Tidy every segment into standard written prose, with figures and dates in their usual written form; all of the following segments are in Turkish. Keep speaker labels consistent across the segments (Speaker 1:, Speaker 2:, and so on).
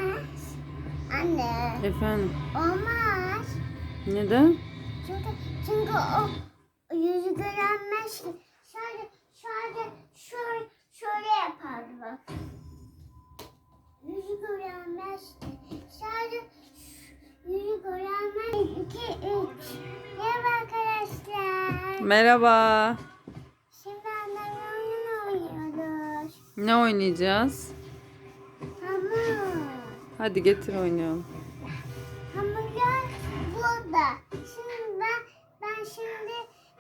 Speaker 1: Olmaz. Anne.
Speaker 2: Efendim.
Speaker 1: Olmaz.
Speaker 2: Neden?
Speaker 1: Çünkü o yüzü görenmez ki. Şöyle yapardı bak. Yüzü görenmez ki. Sadece yüzü görenmez. 2, 3. Merhaba arkadaşlar.
Speaker 2: Merhaba.
Speaker 1: Şimdi annemle oyun oynuyoruz.
Speaker 2: Ne oynayacağız?
Speaker 1: Hamur.
Speaker 2: Hadi getir oynayalım.
Speaker 1: Hamurlar burada. Şimdi ben şimdi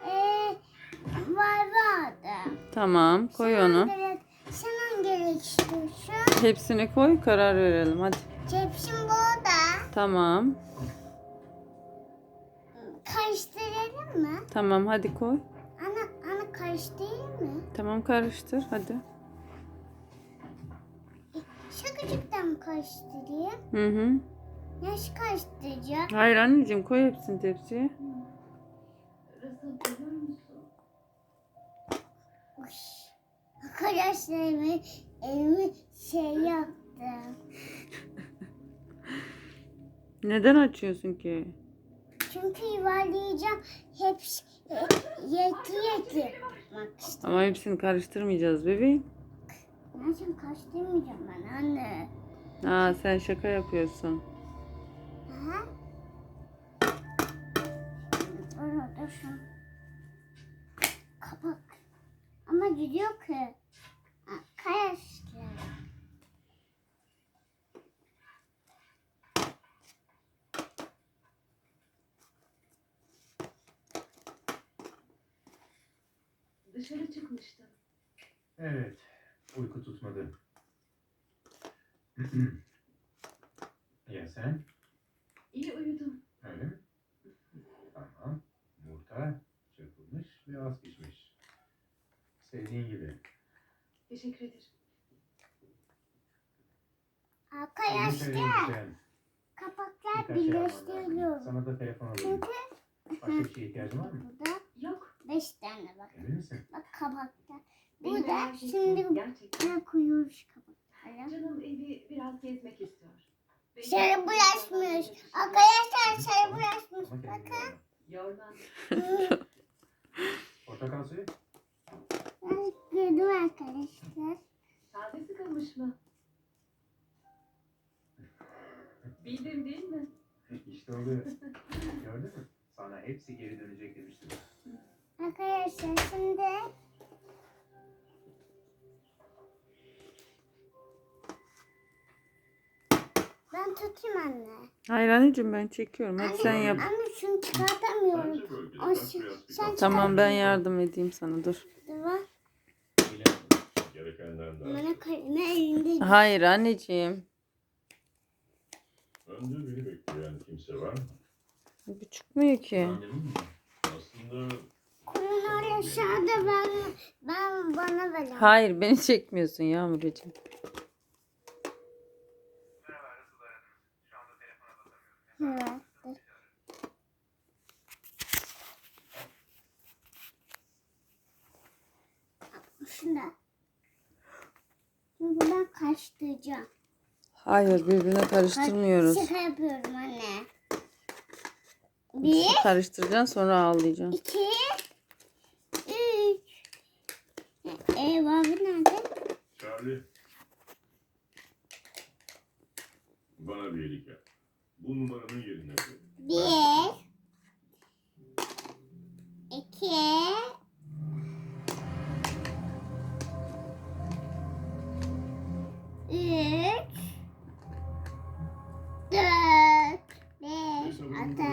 Speaker 1: vardı.
Speaker 2: Tamam, koy onu.
Speaker 1: Sen gerek istiyorsun.
Speaker 2: Hepsini koy, karar verelim hadi.
Speaker 1: Tepsim burada.
Speaker 2: Tamam.
Speaker 1: Karıştıralım mı?
Speaker 2: Tamam, hadi koy.
Speaker 1: Ana karıştırayım mı?
Speaker 2: Tamam, karıştır hadi.
Speaker 1: Şakacıktan mı karıştırayım?
Speaker 2: Hı hı.
Speaker 1: Nasıl karıştıracağım?
Speaker 2: Hayır anneciğim, koy hepsini tepsiye.
Speaker 1: Arkadaşlar elimi şey yaptım.
Speaker 2: Neden açıyorsun ki?
Speaker 1: Çünkü yuvarlayacağım. Hepsi yeti yapmak istiyorum.
Speaker 2: Ama hepsini karıştırmayacağız bebeğim.
Speaker 1: Nasıl karıştırmayacağım ben anne?
Speaker 2: Aa, sen şaka yapıyorsun.
Speaker 1: Aha. Orada şu kapak. Ama gidiyor ki. Arkadaşlar.
Speaker 3: Dışarı çıkmıştım.
Speaker 4: Evet, uyku tutmadı. Ya sen?
Speaker 3: İyi uyudum.
Speaker 4: Öyle mi? Tamam. Yumurta çırpılmış ve az pişmiş. Sevdiğin gibi.
Speaker 3: Teşekkür ederim.
Speaker 4: Senin
Speaker 1: Arkadaşlar.
Speaker 4: söyleyeceğin
Speaker 1: Kapaklar
Speaker 4: birkaç şey alman lazım.
Speaker 1: birleştiriliyor.
Speaker 4: Sana da telefon alayım.
Speaker 1: Çünkü
Speaker 4: Başka bir şeye ihtiyacın var mı?
Speaker 1: burada
Speaker 3: Yok.
Speaker 1: 5 tane bak.
Speaker 4: Emin misin?
Speaker 1: Bak kapaklar.
Speaker 3: beni
Speaker 1: Burada
Speaker 3: merak
Speaker 1: şimdi
Speaker 3: etme, gerçekten.
Speaker 1: ne koyuyoruz kapaklara?
Speaker 3: Canım evi biraz gezmek istiyor. Belki-
Speaker 1: Sarı bulaşmış. Arkadaşlar sarı bulaşmış.
Speaker 4: Ama kendine
Speaker 1: Bakın.
Speaker 3: Yorgan.
Speaker 4: Portakal suyu?
Speaker 1: Ben gördüm arkadaşlar.
Speaker 3: Sade sıkılmış mı? Bildim değil mi?
Speaker 4: İşte oluyor. Gördün mü? Sana hepsi geri dönecek demiştim.
Speaker 1: Arkadaşlar şimdi ben tutayım anne.
Speaker 2: Hayır anneciğim, ben çekiyorum. Hadi sen yap.
Speaker 1: Anne şunu çıkartamıyorum.
Speaker 5: Bence bölgede
Speaker 1: O
Speaker 5: biraz
Speaker 1: sen
Speaker 5: biraz
Speaker 2: Tamam, ben yardım edeyim sana, dur.
Speaker 1: çıkartamıyorsun.
Speaker 5: gerekenden daha.
Speaker 1: Bana kaleme elinde.
Speaker 2: Hayır anneciğim.
Speaker 5: Önde beni bekleyen kimse var mı?
Speaker 2: Bu çıkmıyor ki.
Speaker 5: Annemin mi? Aslında
Speaker 1: Kolunu aşağıda ben bana ver.
Speaker 2: Hayır, beni çekmiyorsun Yağmurcuğum.
Speaker 1: Evet. Şunda. Çünkü ben karıştıracağım.
Speaker 2: Hayır, birbirine karıştırmıyoruz.
Speaker 1: Şaka yapıyorum anne.
Speaker 2: Bir
Speaker 1: 1,
Speaker 2: karıştıracaksın, sonra ağlayacaksın.
Speaker 1: 2, 3. Abi nerede?
Speaker 5: Charlie. Bana bir iyilik yap. Bu numaranın yerine koy.
Speaker 1: 1, 2, 3, 4, 5, 6,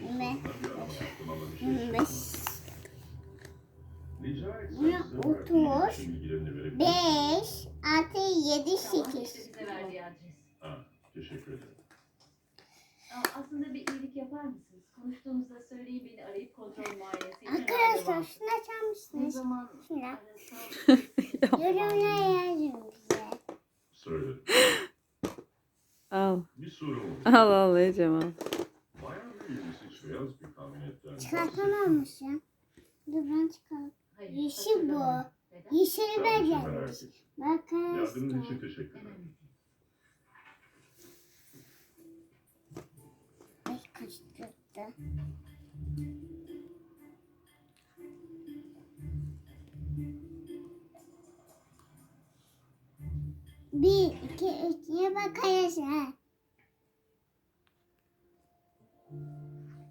Speaker 1: 25.
Speaker 5: Rica etsem
Speaker 1: Buna
Speaker 5: size
Speaker 1: otur.
Speaker 5: verdiğim bilgilerini verebilir
Speaker 1: 5,
Speaker 5: misiniz?
Speaker 1: 6, 7,
Speaker 3: Tamam,
Speaker 1: 8.
Speaker 3: işte bize verdiği adres.
Speaker 5: Ha, teşekkür ederim.
Speaker 3: Aslında bir iyilik yapar mısınız? Konuştuğunuzda söyleyin, beni arayıp kontrol muayenesi için
Speaker 1: Arkadaşlar
Speaker 3: randevu.
Speaker 1: şunu açar
Speaker 3: Ne
Speaker 1: mısınız?
Speaker 3: zaman
Speaker 1: Şuna.
Speaker 3: arasam...
Speaker 1: Yorumlara yazın bize.
Speaker 5: Söyle.
Speaker 2: Al.
Speaker 5: Bir sorum oldu.
Speaker 2: Al Ecem al.
Speaker 5: Bayağı bir 28 beyaz bir kamyonetten
Speaker 1: Çıkartamamış ya. Dur ben çıkarım.
Speaker 3: Hayır,
Speaker 1: Yeşil bu.
Speaker 3: hatırlamıyorum. Neden?
Speaker 1: Yeşili ben
Speaker 5: Sadece
Speaker 1: gelmiş.
Speaker 5: merak ettim.
Speaker 1: Bakın.
Speaker 5: Yardımın için teşekkür ederim.
Speaker 3: Önemli değil.
Speaker 1: başladı. Bir, iki, üç diye bak arkadaşlar.